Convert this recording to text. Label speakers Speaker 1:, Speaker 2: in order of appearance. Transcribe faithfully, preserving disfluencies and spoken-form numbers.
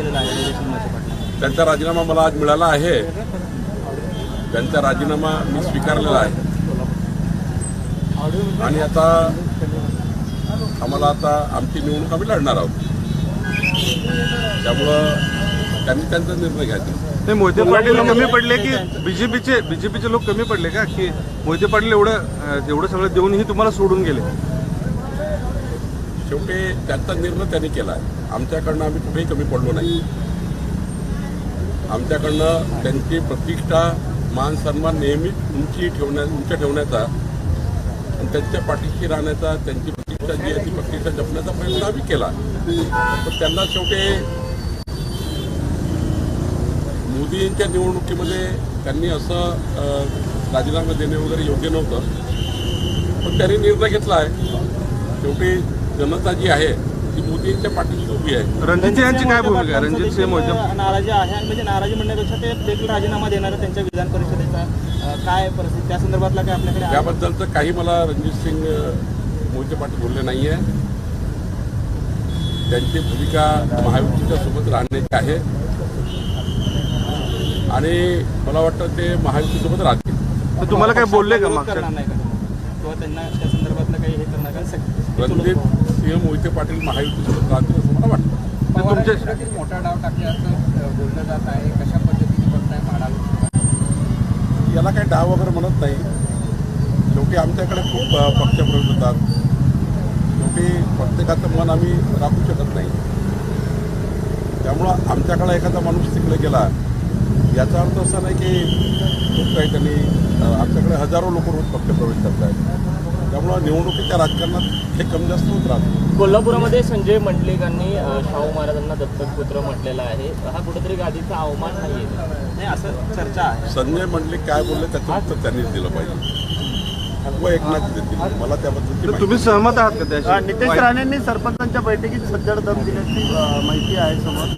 Speaker 1: केलेला आहे निलेश मोहिते पाटील.
Speaker 2: त्यांचा राजीनामा मला आज मिळाला आहे. त्यांचा राजीनामा मी स्वीकारलेला आहे आणि आता आम्हाला आता आमची निवडणूक आम्ही लढणार आहोत. त्यामुळं त्यांनी त्यांचा निर्णय घ्यायचा.
Speaker 3: ते मोहिते पाटील कमी पडले की बीजेपीचे बीजेपीचे लोक कमी पडले का की मोहिते पाटील एवढं एवढं सगळं देऊनही तुम्हाला सोडून गेले?
Speaker 2: शेवटी त्यांचा निर्णय त्यांनी केला आहे. आमच्याकडनं आम्ही कुठेही कमी पडलो नाही. आमच्याकडनं त्यांची प्रतिष्ठा मान सन्मान नेहमीच उंची ठेवण्या उंच ठेवण्याचा आणि त्यांच्या पाठीशी राहण्याचा, त्यांची प्रतिष्ठा जी आहे ती प्रतिष्ठा जपण्याचा प्रयत्न आम्ही केला. पण त्यांना शेवटी मोदींच्या निवडणुकीमध्ये त्यांनी असं राजीनामा देणे वगैरे योग्य नव्हतं. पण त्यांनी निर्णय घेतला आहे. शेवटी जनता जी आहे ती मोदींच्या पाठीशी उभी आहे.
Speaker 3: रणजित यांची काय भूमिका आहे? रणजित सिंह मोहिते
Speaker 1: नाराजी आहे आणि म्हणजे नाराजी म्हणण्यापेक्षा ते देखील राजीनामा देणार त्यांच्या विधान परिषदेचा काय परिस्थिती त्या संदर्भातला काय आपल्याकडे?
Speaker 2: त्याबद्दलचं काही मला रणजित सिंग मोहिते पाटील बोलले नाही आहे. त्यांची भूमिका महायुतीच्या सोबत राहण्याची आहे आणि मला वाटतं ते महायुतीसोबत राहतील.
Speaker 3: तर तुम्हाला काय बोलले का
Speaker 1: मागच्या करणार नाही का किंवा त्यांना त्या संदर्भातलं काही हे करणार का?
Speaker 2: रणजित सिंह मोहिते पाटील महायुतीसोबत राहतील असं मला वाटतं.
Speaker 4: तुमच्या मोठा डाव टाकल्याचं बोललं जात आहे. कशा पद्धतीने बघताय माडाला?
Speaker 2: याला काही डाव वगैरे म्हणत नाही. शेवटी आमच्याकडे खूप पक्षप्रवेश होतात. शेवटी प्रत्येकाचं मन आम्ही राखू शकत नाही. त्यामुळं आमच्याकडे एखादा माणूस तिकडे गेला याचा अर्थ असा नाही की खूप काही त्यांनी आमच्याकडे हजारो लोक रोज पक्षप्रवेश करत आहेत. त्यामुळं निवडणुकीच्या राजकारणात हे कमी जास्त होत राहतं.
Speaker 1: कोल्हापूरमध्ये संजय मंडलिकांनी शाहू महाराजांना दत्तक पुत्र म्हटलेला आहे. हा कुठेतरी गादीचा अवमान नाही आहे असं चर्चा आहे.
Speaker 2: संजय मंडलिक काय बोलले त्याचं उत्तर त्यांनीच दिलं पाहिजे व एकनाथ देतील. मला त्याबद्दल
Speaker 3: तुम्ही सहमत आहात का त्याशी?
Speaker 5: नितेश राणेंनी सरपंचांच्या बैठकीत सज्जड दम दिल्याची माहिती आहे समोर.